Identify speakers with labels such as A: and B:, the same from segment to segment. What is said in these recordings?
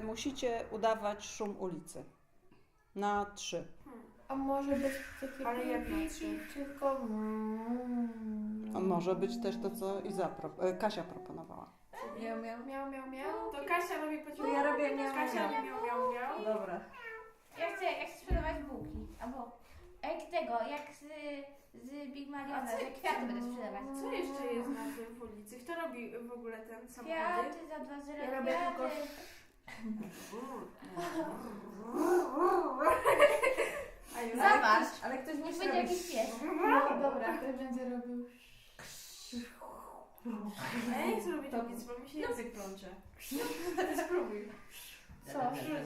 A: musicie udawać szum ulicy. Na 3.
B: A może być takie
C: Ale jak na
B: pipi,
C: trzy?
B: tylko...
A: A może być też to, co Kasia proponowała.
B: Miał, miał.
C: Miał, miał, miał. To Kasia robi po
B: To ja robię miał,
C: Kasia
B: miał.
C: miał, miał, miał.
B: Dobra.
D: Ja chcę sprzedawać bułki, albo jak z Big Maliona,
C: A co-
D: że kwiaty będę sprzedawać.
C: Co jeszcze jest na tym w ulicy? Kto robi w ogóle ten samochód?
D: Kwiaty za 2 zera,
C: Ja robię
D: kwiaty. Zobacz,
B: Ale ktoś
D: niech
B: musi
D: będzie
B: robić.
D: jakiś pies.
B: No dobra, ktoś będzie robił...
C: A ja nie chcę robić nic, bo mi się język plącze. Spróbuj.
B: Co?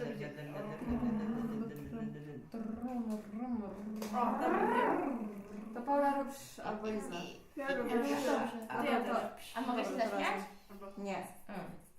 C: O, dobra, wiem.
B: To Paula robisz albo Iza.
C: Ja robię.
B: Dobrze.
C: A ty ja też.
D: A mogę się
B: Dobra,
D: zaśmiać?
C: Albo-
B: Nie.
D: Mm.